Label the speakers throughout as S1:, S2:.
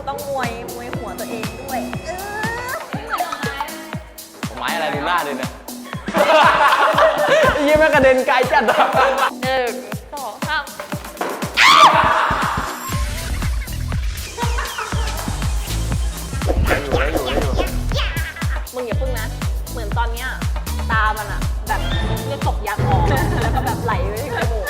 S1: ต้องมวยหัวตัวเองด้วย
S2: ไม้อะไรดูล่าเลยเนี่ยยี่แม่กระเด็นไกลจัดอ่ะ
S1: 1 2 3มึงอย่าพึ่งนะเหมือนตอนเนี้ยตามันอะแบบเลือดตกยางออกแล้วก็แบบไหลไปที่จมูก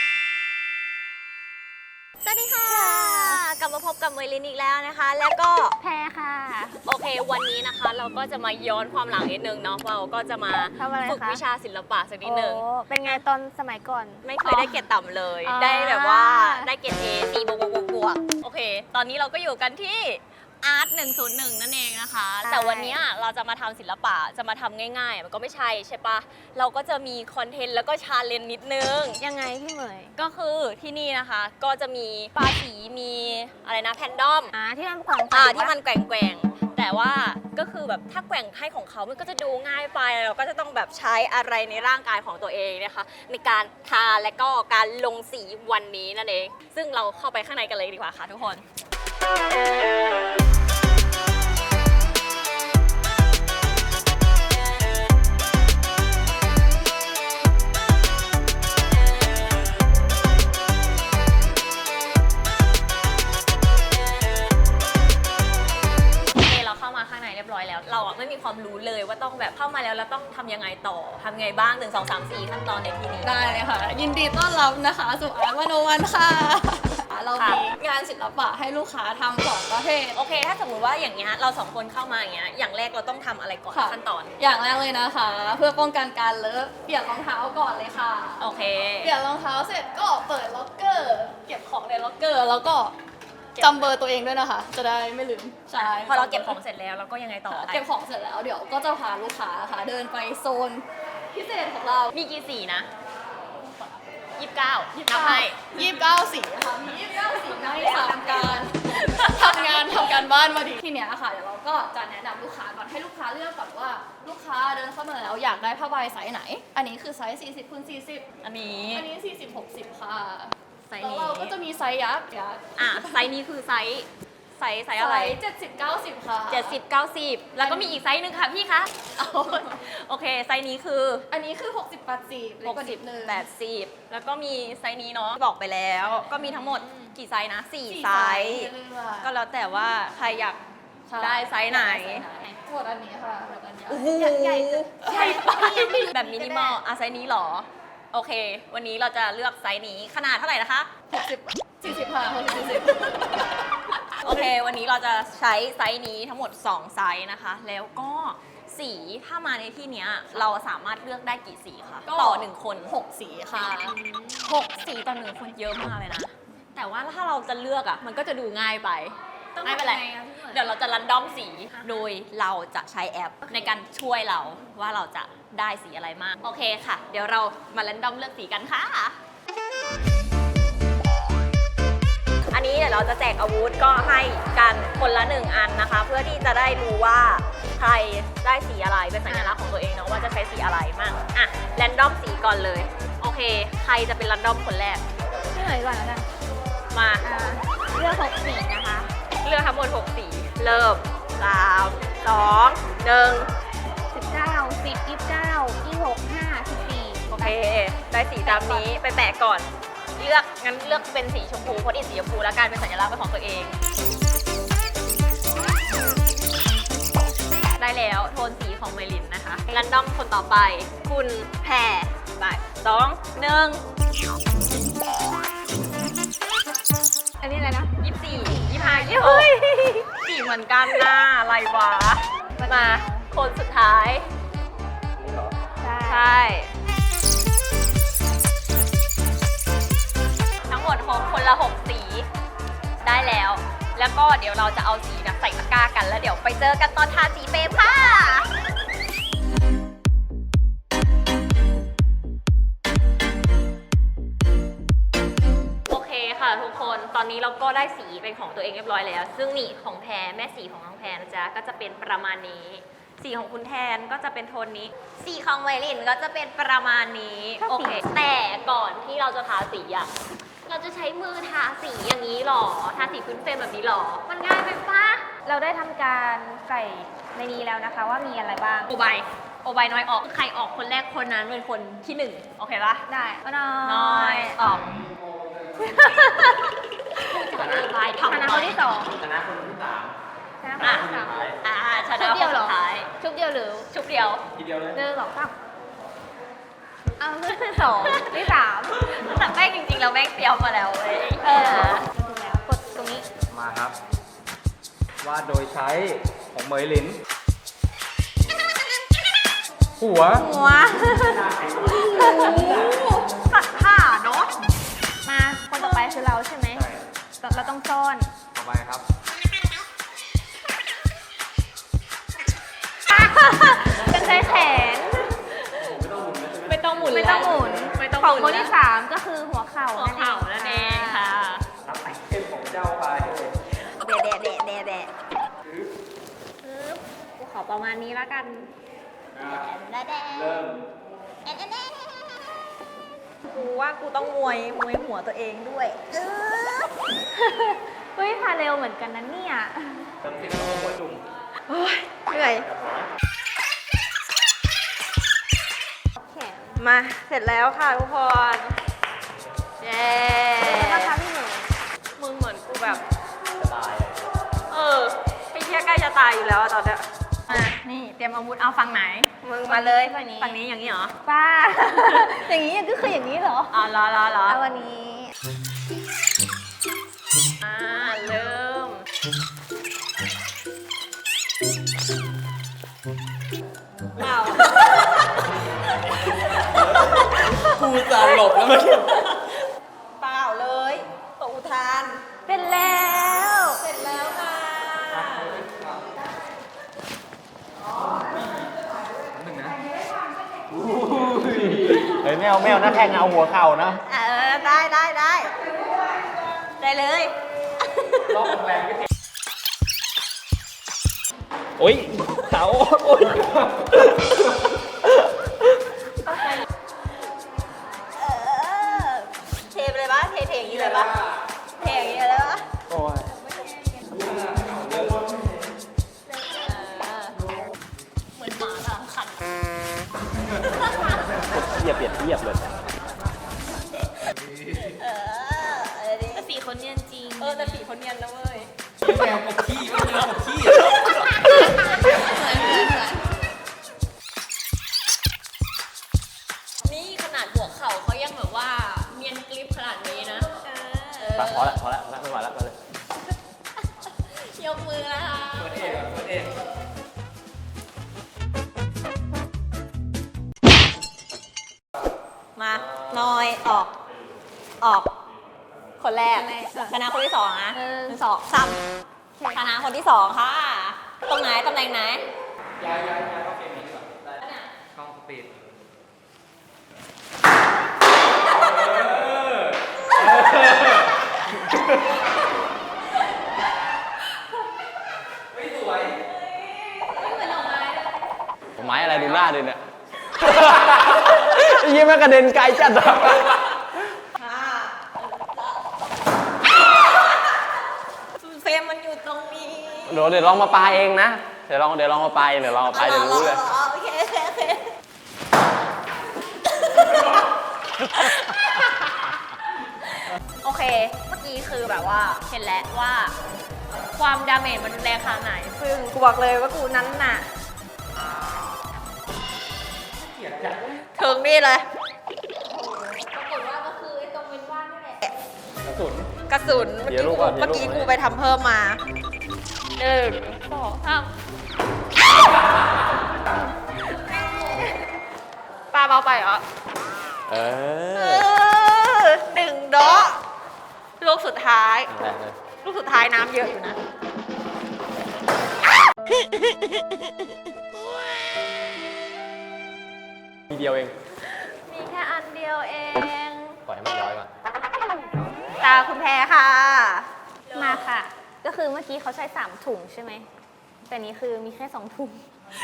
S1: สวัสดีค่ะกลับมาพบกับเมลินอีกแล้วนะคะแล้วก็
S3: แพ้ค่ะ
S1: โอเควันนี้นะคะเราก็จะมาย้อนความหลังนิดนึงเนาะเราก็จะมาฝึกวิชาศิลปะสักนิดนึง
S3: เป็นไงตอนสมัยก่อน
S1: ไม่เคยได้เกรดต่ำเลยได้แบบว่าได้เกรด A 4บวกโอเคตอนนี้เราก็อยู่กันที่อาร์ต101นั่นเองนะคะแต่วันนี้เราจะมาทำศิลปะจะมาทำง่ายๆมันก็ไม่ใช่ปะเราก็จะมีคอนเทนต์แล้วก็ชาเลนจ์นิดนึง
S3: ยังไงพี่เหมย
S1: ก็คือที่นี่นะคะก็จะมีปลาสีมีอะไรนะแพนดอม
S3: ที่มันแกว่ง
S1: ที่มันแกว่งแต่ว่าก็คือแบบถ้าแกว่งให้ของเขามันก็จะดูง่ายไปเราก็จะต้องแบบใช้อะไรในร่างกายของตัวเองนะคะในการทาและก็การลงสีวันนี้นั่นเองซึ่งเราเข้าไปข้างในกันเลยดีกว่าค่ะทุกคนเราไม่มีความรู้เลยว่าต้องแบบเข้ามาแล้วต้องทำยังไงต่อทำไงบ้าง1 2 3 4ขั้นตอนในที่นี้
S4: ได้เลยค่ะยินดีต้อนรับนะคะสู่อาร์ต101ค่ะเรามีงานศิลปะให้ลูกค้าทำ2ประเภท
S1: โอเคถ้าสมมติว่าอย่างเงี้ยเรา2คนเข้ามาอย่างเงี้ยอย่างแรกเราต้องทำอะไรก่อนขั้นตอน
S4: อย่างแรกเลยนะคะเพื่อป้องกันการเลอะเปลี่ยนรองเท้าก่อนเลยค่ะ
S1: โอเค
S4: เปลี่ยนรองเท้าเสร็จก็เปิดล็อกเกอร์เก็บของในล็อกเกอร์แล้วก็จำเบอร์ตัวเองด้วยนะคะจะได้ไม่ลืม
S1: ใช่พอเราเก็บของเสร็จแล้วเราก็ยังไงต่อ
S4: เก็บของเสร็จแล้วเดี๋ยวก็จะพาลูกค้าค่ะเดินไปโซนพิเศษของเรา
S1: มีกี่สีนะ29นับให้
S4: 29 สีค่ะมี29 สีใน3การทำการบ้านมาดีทีเนี้ยค่ะเดี๋ยวเราก็จะแนะนำลูกค้าก่อนให้ลูกค้าเลือกก่อนว่าลูกค้าเดินเข้ามาแล้วอยากได้ผ้าใบไซส์ไหนอันนี้คือไซส์40x40
S1: อันนี้
S4: 40-60ค่ะ
S1: แล้ว
S4: เราก็จะมีไซส์ยักษ์
S1: ไซส์นี้คือไซส์อะไร
S4: 70-90ค่ะ
S1: 70-90แล้วก็มีอีกไซส์หนึ่งค่ะพี่คะโอเคไซส์นี้คือ
S4: อันนี้คือ60-80
S1: 60-80แล้วก็มีไซส์นี้เนาะบอกไปแล้วก็มีทั้งหมดกี่ไซส์นะ4ไซส์ก็แล้วแต่ว่าใครอยากได้ไซส์ไหน
S4: หมดอันนี้ค่ะหมดอันนี้
S1: ใหญ่ไปแบบมินิมอลไซส์นี้หรอโอเควันนี้เราจะเลือกไซส์นี้ขนาดเท่าไหร่นะคะ
S4: 40ค่ะ
S1: โอเควันนี้เราจะใช้ไซส์นี้ทั้งหมด2ไซส์นะคะแล้วก็สีถ้ามาในที่นี้เราสามารถเลือกได้กี่สีคะต่อ1คน
S4: 6สีค่ะ
S1: 6สีต่อ1คนเยอะมากเลยนะแต่ว่าถ้าเราจะเลือกอ่ะมันก็จะดูง่ายไปไม่เป็นไรเดี๋ยวเราจะรันดอมสีโดยเราจะใช้แอปในการช่วยเราว่าเราจะได้สีอะไรมากโอเคค่ะเดี๋ยวเรามารันดอมเลือกสีกันค่ะอันนี้เดี๋ยวเราจะแจกอาวุธก็ให้กันคนละ1อันนะคะเพื่อที่จะได้รู้ว่าใครได้สีอะไรเป็นสัญลักษณ์ของตัวเองเนาะว่าจะใช้สีอะไรมั่งอ่ะแรนดอมสีก่อนเลยโอเคใครจะเป็นรันดอมคนแรก
S3: พี่เหมยก่อนแล้วกัน
S1: มา
S3: เลือก6สีนะคะ
S1: เลือกทั้งหมด6สีเริ่ม3 2 1
S3: 19 10 29 26 5 14
S1: โอเคได้สีตามนี้ไปแปะก่อนเลือกงั้นเลือกเป็นสีชมพูเพราะอินสีชมพูแล้วกันเป็นสัญลักษณ์ของตัวเองได้แล้วโทนสีของเมลินนะคะรันดอมคนต่อไปคุณแพรไป2 1
S3: อันนี้อะไรนะ
S1: 24 25 26สีเหมือนกันนะอะไรวะมาคนสุดท้ายใช่ทั้งหมดคนละ6สีได้แล้วก็เดี๋ยวเราจะเอาสีใส่ตะกร้ากันแล้วเดี๋ยวไปเจอกันตอนทาสีเฟรมค่ะโอเคค่ะทุกคนตอนนี้เราก็ได้สีเป็นของตัวเองเรียบร้อยแล้วซึ่งนี่ของแพรแม่สีของน้องแพรนะจ๊ะก็จะเป็นประมาณนี้สีของคุณแทนก็จะเป็นโทนนี้สีของเมลินก็จะเป็นประมาณนี้โอเคแต่ก่อนที่เราจะทาสีอะเราจะใช้มือทาสีอย่างนี้หรอ ทาสีพื้นเฟรมแบบนี้หรอ มันง่ายไปปะ
S3: เราได้ทำการใส่ในนี้แล้วนะคะว่ามีอะไรบ้าง
S1: โอใบน้อยออก ใครออกคนแรกคนนั้นเป็นคนที่หนึ่งโอเคปะ
S3: ได้ก็น้
S1: น้อ
S3: อย
S1: ออกจะโอบาย
S3: ช
S1: ทำ
S3: นะคนที่สอง
S2: ชนะคนที่สาม
S3: ชนะคนที่สาม
S1: ช
S3: ชุ
S1: นะ
S3: ด
S1: ค
S3: เดียวน เหร
S1: สุ
S3: อ
S1: ดท้าย
S3: ชุดเดียวหรือ
S1: ชุบเดียว
S2: ทีเดียวเลย
S3: หนึ่งสองสามเอาที่สองที่สาม
S1: แต่แม่งจริงๆเราแม่งเตรียมมาแล้วเว้ย
S3: ถูกแล้วกดตรงนี้
S2: มาครับ วาดโดยใช้ของเหมยหลิน หัว
S3: หัว
S1: ตัดผ้าเนาะ
S3: มาคนต่อไปคือเราใช่ไหม
S2: ใช่
S3: เราต้องซ่อน
S2: ต่อไปครับ
S3: กันใช้แขน
S1: ไม่ต้องหมุน
S3: ไม่ต้องหมุน
S1: ไม่ต้อง
S3: ของ
S1: ห
S3: ค
S1: มุ
S3: น
S1: น
S3: ที่สามก็คือหัวเข่า
S1: หัวเข่านั่นเองค่ะ
S2: รับไอเทมของเจ้าไป
S3: แดะกูขอประมาณนี้แล้วกัน
S2: เริ่ม
S1: กูว่ากูต้องมวยหัวตัวเองด้วย
S3: เฮ้ยพาเร็วเหมือนกันนะเนี่ย
S2: เริ่มที่น้องหัวจุ่ม
S1: เหนื่อย
S3: แขน
S1: มาเสร็จแล้วค่ะทุกคนเย้
S3: แล้วก็ทำให้หนู
S1: มึงเหมือนกูแบบ
S2: จะตาย
S1: ไอ้เหี้ยใกล้จะตายอยู่แล้วอะตอนเนี้ยนี่เตรียมอาวุธเอาฝั่งไหน มึงมาเลย
S3: ฝั่งนี้
S1: ฝั่งนี้อย่างนี้เหรอ
S3: ป้า อย่างนี้ก็คืออย่างนี้เหรอ
S1: อ๋อรอ
S3: เอาวันนี้
S1: เริ่ม เปล่า
S2: กูจะหลบแล้วเมื่อกี้
S1: เปล่าเลยตกอุทาน
S3: เป็นแล้ว
S1: เสร็จแล้วค่ะ
S2: เฮ้ยแมวหน้าแข้งเอาหัวเข่านะ
S1: ได้เลย
S2: รอบแรงก็เจ็บโอ้ยเสาโอ้ย
S1: เทไปเลยปะเทอย่างนี้เลยปะเทอย่างนี้เลยปะ
S2: โอ้ย
S1: เหมือนหมาทางขัน
S2: เหยียบเลย
S1: แต่สีเขาเนียนจริง แต่สีเขาเนียนนะเว้ย
S2: แมวกับขี้แมวกับขี้
S1: นี่ขนาดหัวเข่าเขายังแบบว่าเนียนกริปขนาดนี้นะ
S2: พอแล้วไม่ไหวแล้วไปเลย
S1: ยกมือนะคะ
S2: เปิดเอง
S1: มาน้อยออก คนแรกชนะคนที่สองนะ
S3: หนึ่ง
S1: สองสามชนะคนที่สองค่ะ ตรงไหนตำแหน่งไหน
S2: ย้ายเข้าเกมนี้ดีกว่าได้ช่องสปีดไม่สวย
S1: ไม่เหมือนดอกไม้เลย
S2: ไม้อะไรดูหน้าดิเนี่ยยี่แม่กระเด็นไกลจัดอะ
S1: เฟรมมันอยู่ตรงนี้
S2: เดี๋ยวลองมาปาเองนะ เดี๋ยวลองมาปาเดี๋ยวรู้เลย
S1: โอเคโอเค เมื่อกี้คือแบบว่าเห็นแล้วว่า ความดาเมจมันแรงขนาดไหน ซึ่งกูบอกเลยว่ากูนั้นน่ะถึงนี่เลย
S3: ปรากฏว่าก็คือไอ้ตรงเป็นบ้านนี่แหละ
S2: กระสุน
S1: กระสุน
S2: เดี๋ยวลูกก่อน
S1: เมื่อกี้กูไปทำเพิ่มมา1 2 3ปลาเบาไปเหรอ
S2: เออ
S1: 1 ดอกลูกสุดท้าย
S2: แรงเลย
S1: ลูกสุดท้ายน้ำเยอะอยู่นะ
S2: ทีเดียวเอง
S1: มีแค่อันเดียวเอง
S2: ปล่อยให้มันย้อยก่อน
S1: ตาคุณแพรค่ะ
S3: มาค่ะ ก็คือเมื่อกี้เขาใช้3ถุงใช่ไหม แต่นี้คือมีแค่2ถุง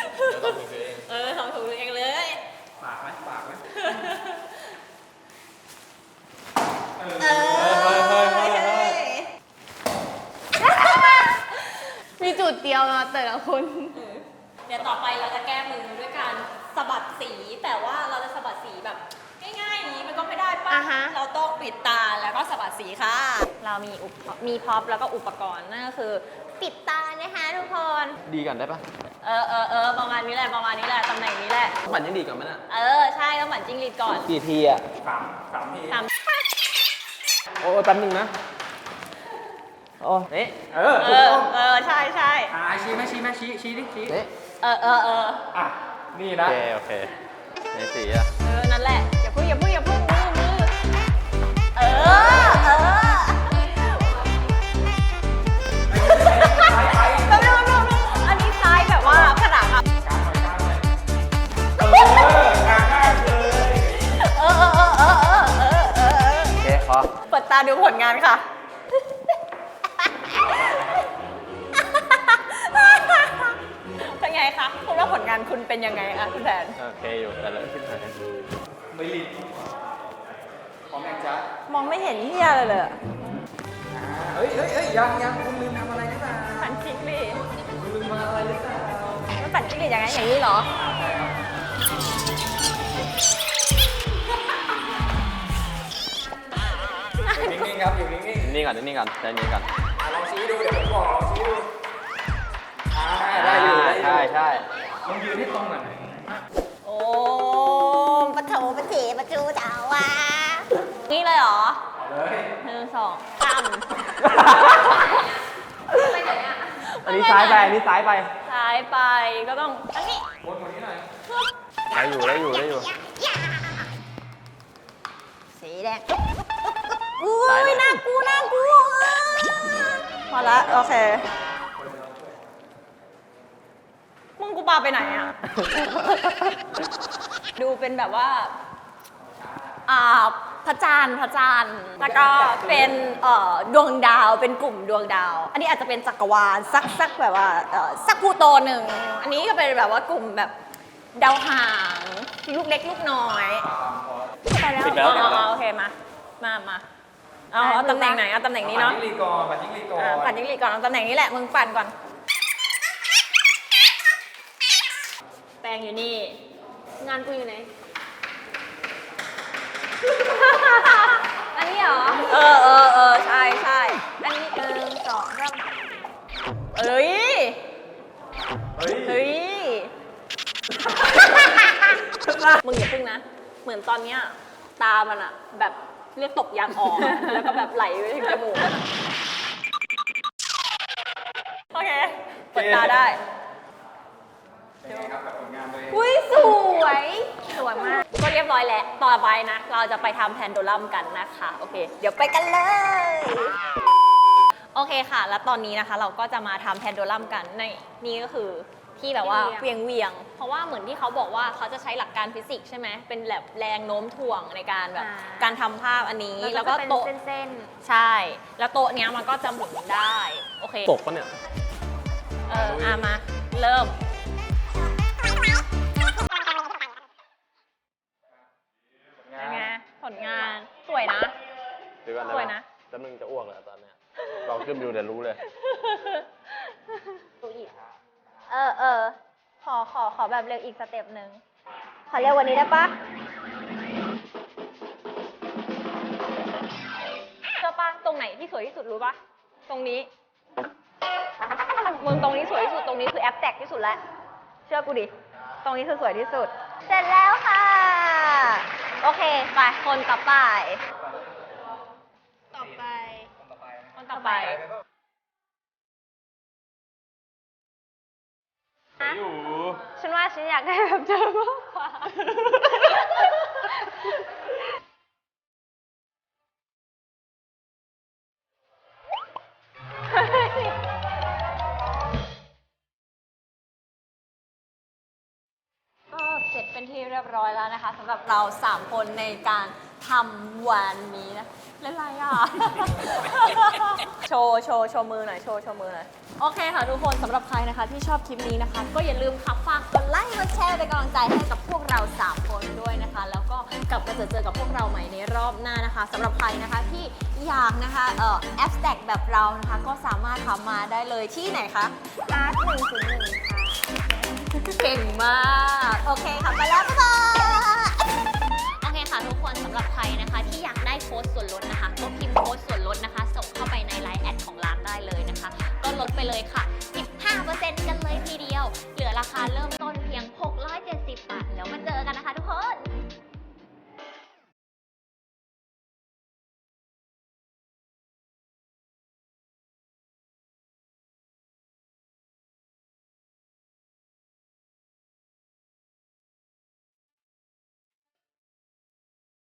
S1: 2 ถุงเองเลย
S2: ปากไหม
S4: มีจุดเดียวนะแต่ละคน
S1: เดี๋ยวต่อไปเราจะแก้มือด้วยการสะบัดสี แต่ว่าเราจะสะบัดสีแบบง่ายๆอย่างนี้มันก็ไม่ได้ป่ะ
S3: อ่าฮะ
S1: เราต้องปิดตาแล้วก็สะบัดสีค่ะ
S3: เรามีพร็อพแล้วก็อุปกรณ์นั่นก็คือปิดตานะคะทุกคน
S2: ดีก่อนได้ปะ
S3: ประมาณนี้แหละประมาณนี้แหละตำแหน่งนี้แหละ
S2: ปั่นยังดีก่อนไหมน่ะ
S3: ใช่ต้องหมั่นจิ้งหรีดก่อน
S2: กี่ทีอ่ะ
S3: สาม
S2: โอ้แป๊บนึงนะ โอ้นี่
S3: ใช่ใช่
S5: ชี้ไหมชี้ไหมชี้ดิชี้
S2: นี่
S5: อ่ะ นี่
S2: โอ
S5: นะ
S2: เคโอเคในสีอ่ะ
S3: นั่นแหละอย่าพึ่งมืออันนี้ซ้ายแบบว่าผนังอ่ะ
S2: โอเคพอ
S3: เปิดตาดูผลงานค่ะ เป็นไงคะคุณว่าผลงานคุณเป็นยังไงอะคุณแผน
S2: โอเคอยู่แต่ละขึ้นหน่อย
S5: ไม่รีบพร้อมยังจ๊ะ
S3: มองไม่เห็นเฮียเลยเลย
S5: เฮ้ยยังคุณลืมทำอะไรหรือเปล่า
S3: ปั่นจิ้งหรีด
S5: คุณลืมมาอะไรหรือเปล่า
S3: มันปั่นจิ้งหรีดยังไงอย่างนี้เหรอ
S5: นิ่งๆครับอยู่นิ่ง
S2: นิ่งก่อนนิ่งก่อนใจเย็นก่อน
S5: ๆลองชี้ดูเดี๋ยวผมบอกลองชี้ดูได้อยู่ได้อยู่
S2: ใช่
S5: ลองยืนให้ตรงหน่อย
S3: โอ้ปะโถปะเถปะจูเจ้าวะนี่เลยเหรอ
S5: เลย
S3: 1 2 3
S2: อันนี้ซ้ายไปอันนี้ซ้ายไป
S3: ซ้ายไปก็ต้องอันนี้
S5: วนกว่านี้หน่อย
S2: ได้อยู่
S3: สีแดงอุ้ยน่ากลัวพอละโอเคมึงกูปาไปไหนอ่ะ ดูเป็นแบบว่าพระจันทร์แล้วก็เป็นดวงดาวเป็นกลุ่มดวงดาว อันนี้อาจจะเป็นจักรวาลสักแบบว่าสักพลูโตหนึ่งอันนี้ก็เป็นแบบว่ากลุ่มแบบดาวหางลูกเล็กลูกน้อยไปแล้ว
S2: ปิดแล้ว
S3: โอเคมาเอาตำแหน่งไหนเอาตำแหน่งนี้เนาะ
S5: ปั่นจิ้งหรีดก่อนปั่นจิ้งหรีดก่อน
S3: ปั่นจิ้งหรีดก่อนเอาตำแหน่งนี้แหละมึงปั่นก่อนแปรงอยู่นี่งานกูอยู่ไหน อันนี้เหรอ ใช่อันนี้1 2 3เฮ้ย มึงอย่าพึ่งนะ เหมือนตอนเนี้ยตามันอะแบบเรียกตกยางออกอะแล้วก็แบบไหลไปถึงจมูกอะโอเคเปิดตาได้
S5: เป็นไงครับกับผลงานตัวเอง
S3: อุ้ยสวยมาก ก็เรียบร้อยแล้ว ต่อไปนะ เราจะไปทำแพนโดลัมกันนะคะ โอเค เดี๋ยวไปกันเลย โอเคค่ะ แล้วตอนนี้นะคะ เราก็จะมาทำแพนโดลัมกันในนี่ก็คือที่แบบว่าเวียง เพราะว่าเหมือนที่เขาบอกว่าเขาจะใช้หลักการฟิสิกส์ใช่ไหม เป็นแบบแรงโน้มถ่วงในการแบบการทำภาพอันนี้ แล้วก็โต๊ะใช่ แล้วโต๊ะเนี้ยมันก็จะหมุนได้ โอเค
S2: ตกปะเนี่ย
S3: มาเริ่ม เป็นไงผลงานสวยนะ
S2: เดี๋ยวก่อน
S3: สวยนะ
S2: จะมึงจะอ้วกแล้วตอนเนี้ยลองขึ้นดูเดี๋ยวรู้เลย
S3: ขอแบบเร็วอีกสเต็ปหนึ่งขอเร็วกวันนี้ได้ปะเชื่อปะตรงไหนที่สวยที่สุดรู้ปะตรงนี้มึงตรงนี้สวยที่สุดตรงนี้คือแอปแตกที่สุดแล้วเชื่อกูดิตรงนี้คือสวยที่สุด เสร็จแล้วค่ะ โอเคไปคนต่อไป คนต่อไปฮะฉันว่าฉันอยากได้แบบเธอมากกว่า ก็เสร็จเป็นที่เรียบร้อยแล้วนะคะสำหรับเรา3คนในการทำวันนี้นะเล่นไรอ่ะ โชว์มือหน่อยโชว์มือหน่อยโอเคค่ะทุกคนสำหรับใครนะคะที่ชอบคลิปนี้นะคะ ก็อย่าลืมค่ะฝากกดไลค์กดแชร์เป็นกำลังใจให้กับพวกเรา 3 คนด้วยนะคะ แล้วก็กลับมาเจอกับพวกเราใหม่ในรอบหน้านะคะสำหรับใครนะคะที่อยากนะคะแอปสแต็กแบบเรานะคะ ก็สามารถทำมาได้เลยที่ไหนคะอาร์ต101ค่ะเก่งมากโอเคค่ะไปแล้วบ๊ายบายโอเคค่ะทุกคนสำหรับใครนะคะที่อยากได้โค้ดส่วนลดนะคะก็พิมพ์โค้ดส่วนลดนะคะส่งเข้าไปในไลน์แอดของร้านได้เลยนะคะก็ลดไปเลยค่ะ 15% กันเลยทีเดียว เหลือราคาเริ่มต้นเพียง